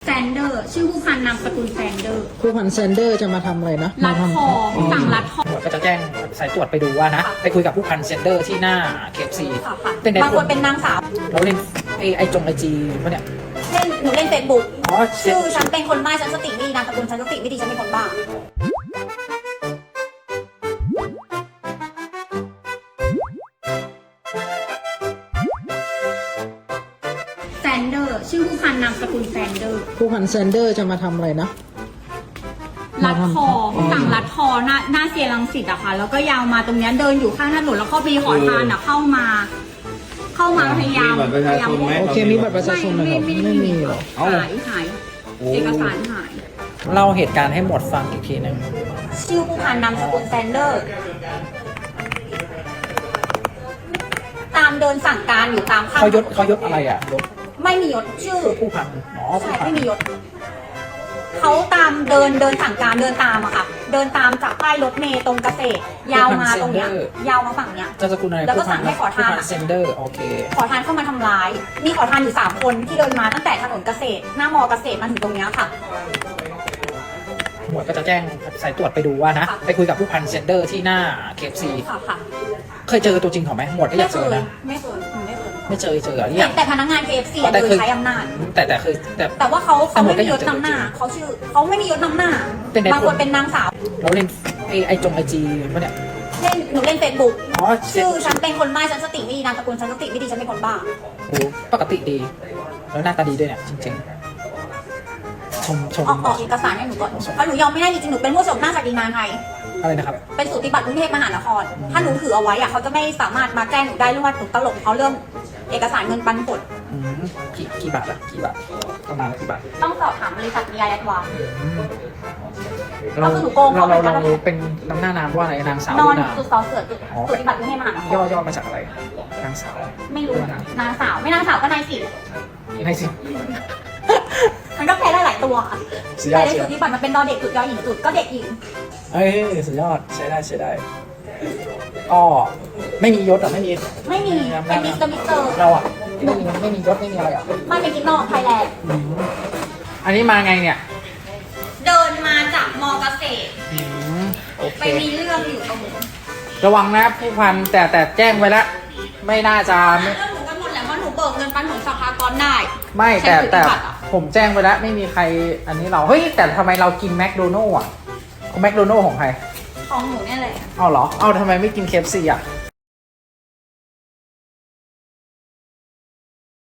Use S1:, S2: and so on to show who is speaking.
S1: แซนเดอร์ชื่อผู้พันนามสกุลแซนเดอร์
S2: ผู้พันแซนเดอร์จะมาทำอะไรนะ
S1: รัดคอสั่งรัดคอ
S3: ก็จะแจ้งสายตรวจไปดูว่านะ ไปคุยกับผู้พันเซนเดอร์ที่หน้า KFC
S1: ค่ะ
S3: เป็นไง
S1: บางคนเป็นนางสาว
S3: เราเล่นไอจีปะเนี่ย
S1: หนูเล่นเฟซบุ๊ก
S3: อ๋อ
S1: ชื่อฉันเป็นคนบ้าฉันสติไม่ดีนามสกุลฉันสติไม่ดีฉันเป็นคนบ้าแซนเดอร์ชื่อผู้พันนามสกุลแซนเดอร์
S2: ผู้พันแซนเดอร์จะมาทำอะไรนะ
S1: รัดคอสั่งรัดคอหน้าเซียรังสิตอะค่ะแล้วก็ยาวมาตรงเนี้ยเดินอยู่ข้างถนนแล้วก็มีขอทานอะเข้ามาพยายาม
S4: มีบัตรประชาชนไหม
S2: โอเคมีบัตรประชาชนไหมครับไม่มีหรอ
S1: หายเอกสารหาย
S3: เล่าเหตุการณ์ให้หมดฟังอีกทีหนึ่ง
S1: ชื่อผู้พันนามสกุลแซนเดอร์ ตามเดินสั่งการอยู่ตามข้าง
S3: เขายศอะไรอ่ะยศ
S1: ไม่มียศชื่อ
S3: ผู้พันอ๋อ
S1: ใช่
S3: ผู้พัน
S1: ไม่มียศเขาตามเดินสั่งการเดินตามอะค่ะ เดินตามจากป้ายรถเมล์ตรงเกษตร ยาวมาตรงเนี้ยยาวมาฝั่งเนี้ย
S3: เจ้าสกุลอะไร
S1: แล้วก็สั่งให้ขอทาน
S3: ผู้พันเซนเดอร์โอเค
S1: ขอทานเข้ามาทำร้าย มีขอทานอยู่3คนที่เดินมาตั้งแต่ถนนเกษตร หน้ามอเกษตรมาถึงตรงเนี้ยค่ะ
S3: หมวดก็จะแจ้งสายตรวจไปดูว่านะ
S1: ค่ะ
S3: ไปคุยกับผู้พันเซนเดอร์ที่หน้า KFC
S1: ค่ะ
S3: เคยเจอตัวจริงเขาไหมหมวดก็อยากเจอนะ
S1: ไม่เคยหนูไม่เคย
S3: ไม่เจอเหรอ
S1: เห็
S3: เนี่ย
S1: นแต่พนักงาน KFC อะ
S3: แต่
S1: โด
S3: เค
S1: ย
S3: ย
S1: ใช้อำนาจ
S3: แต่เคยแต่
S1: แต่ว่าเขาไม่มียศ
S3: แต่หมดก็ยัง
S1: นำหน้า
S3: เจอ
S1: เขาไม่มียศนำหน้า
S3: เป็นไง
S1: บางคนเป็นนางสาว
S3: เราเล่นไอจีปะเนี่ย
S1: หนูเล่นเฟซบุ๊ก
S3: อ๋อ
S1: ชื่อฉันเป็นคนบ้าฉันสติไม่ดีนามสกุลฉันสติไม่ดีฉันเป็นคนบ้า
S3: โอ้ปกติดี แล้วหน้าตาดีด้วยเนี่ยจริงๆชม
S1: ออกเอกสารให้หนูก่อนเพราะหนูยอมไม่ได้จริงๆหนูเป็นผู้ชมหน้าศักดินาไทย
S3: อะไรนะครับ
S1: เป็นสูติบัตรกรุงเทพมหานคร ถ้าหนูถือเอาไว้อะเขาจะไม่สามารถมาแจ้งหนูได้เรื่องว่าหนูตลกเขาเรื่องเอกสารเงินปันผล
S3: อืมกี่บาทอะกี่บาทประมาณกี่บาท
S1: ต้องสอบถามบริษัทมีอายัดวาง
S3: เรา
S1: ก็คือหนูโกง
S3: เรา
S1: เขาเหมือนกัน
S3: เป็นนำหน้านามว่าอะไรนางสาวน
S1: อน
S3: หรือนาง
S1: จุดสอเสือจุดสูติบัตรกรุงเทพมหานคร
S3: ย่อมาจากอะไรนางสาว
S1: ไม่รู้นางสาวไม่นางสาวก็นายสิ
S3: ยังไงสิ
S1: มันก็แพ้ได้หลายตัวค่ะ
S3: สุดยอ
S1: แต่
S3: ด
S1: ใน
S3: สุดย
S1: สู
S3: อด
S1: ติบัตรมันเป็นดอเด็กจุดยอหญิงจุดก็เด็กหญิง
S3: เอ้ยสุดยอดใช้ได้ก็ไม่มียศอะไม่มี
S1: ไม่มีเป็นมิสเตอร์
S3: เราอะไม่มียศไม่มีอะไรอะ
S1: มันเป็นกิ๊กนอกไทยแลนด์
S3: อันนี้มาไงเนี่ย
S1: เดินมาจากมอเกษตร
S3: โอเค
S1: ไปมีเรื่องอยู่ตรงนู้น
S3: ระวังนะผู้พันแต่แจ้งไว้แล้วไม่น่าจะ
S1: เรื่องหนูกันหมดแหละเพราะหนูเบิกเงินปันผลสภากรได้
S3: ไม่
S1: ใช้
S3: แต่
S1: สูติบัตรอะ
S3: ผมแจ้งไปแล้วไม่มีใครอันนี้เราเฮ้ยแต่ทำไมเรากินแมคโดนัลล์อ่ะแมคโดนัลล์ของใคร
S1: ของหนูเนี่ยแหละ
S3: เอาเหรอเอาทำไมไม่กิน KFC อ่ะ